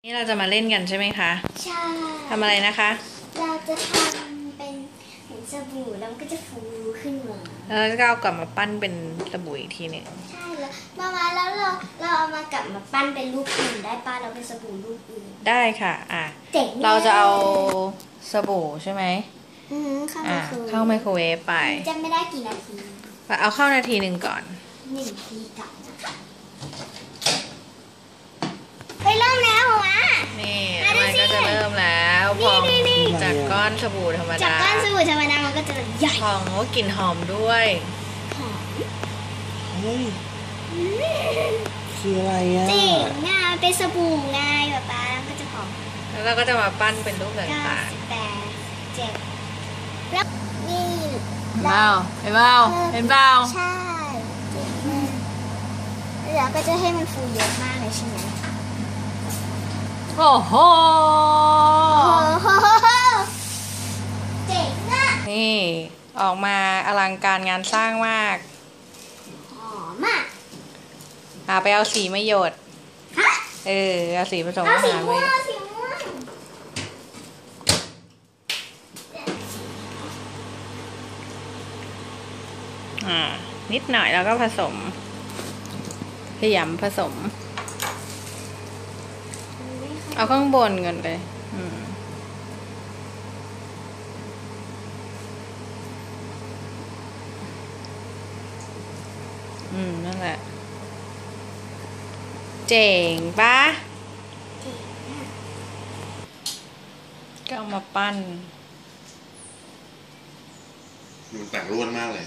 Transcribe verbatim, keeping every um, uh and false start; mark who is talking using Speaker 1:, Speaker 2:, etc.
Speaker 1: นี่เราจะมาเล่นกันใช่ไหมคะ
Speaker 2: ใช่
Speaker 1: ทำอะไรนะคะ
Speaker 2: เราจะทำเป็นเหมือนสบู่แล้วมันก็จะฟูขึ้นมา
Speaker 1: แล้วก็เอากลับมาปั้นเป็นสบู่อีกทีหนึ่ง
Speaker 2: ใช่แล้วมามาแล้วเราเราเอามากลับมาปั้นเป็นรูปอื่นได้ป้าเราเป็นสบู่รูปอื่น
Speaker 1: ได้ค่ะอ่ะ
Speaker 2: เจ๋ง
Speaker 1: เราจะเอาสบู่ใช่ไหม
Speaker 2: อืมเข้าไม
Speaker 1: อ่ะ
Speaker 2: โครเวฟ
Speaker 1: เข้าไมโครเวฟไป
Speaker 2: จะไม่ได้กี่นาที
Speaker 1: เอาเข้านาทีหนึ่งก่อน
Speaker 2: หนึ่งทีกลับนะคะไปเริ่มแล้วเหรอวะ
Speaker 1: นี่มันก็จะเริ่มแล้วพองจากก้อนสบู่ธรรมดา
Speaker 2: จากก้อนสบู่ธรรมดามันก็จะใหญ่
Speaker 1: พองก็กลิ่นหอมด้วย
Speaker 2: หอม
Speaker 3: เฮ้ยคืออะไรอ่ะ
Speaker 2: จริงง่ายเป็นสบู่ไงแบบป้าแล้วก็จะหอม
Speaker 1: แล้วเราก็จะมาปั้นเป็นรูปต่างๆ
Speaker 2: เก้าสิบแปดเจ็ดแล้วนี่
Speaker 1: เห็นเปล่าเห็นเปล่าเห็นเปล่า
Speaker 2: ใช่เก่งมากแล้วก็จะให้มันฟูเยอะมากเลยใช่ไหม
Speaker 1: โอ้โห
Speaker 2: เจ๋งอ่ะ
Speaker 1: นี่ออกมาอลังการงานสร้างมาก
Speaker 2: หอมอ่ะ
Speaker 1: อ่าไปเอาสีมาหยด
Speaker 2: ฮะ
Speaker 1: เออเอาสีผสม
Speaker 2: เอา
Speaker 1: อา
Speaker 2: สี
Speaker 1: หาร
Speaker 2: ม่ว
Speaker 1: มาง
Speaker 2: เอาสีม่วง
Speaker 1: อ่านิดหน่อยแล้วก็ผสมขยำผสมเอาข้างบนก่อนเลยอืมอืมนั่นแหละเจ๋งปะก็เอามาปั้น
Speaker 3: มันแตกร่วนมากเลย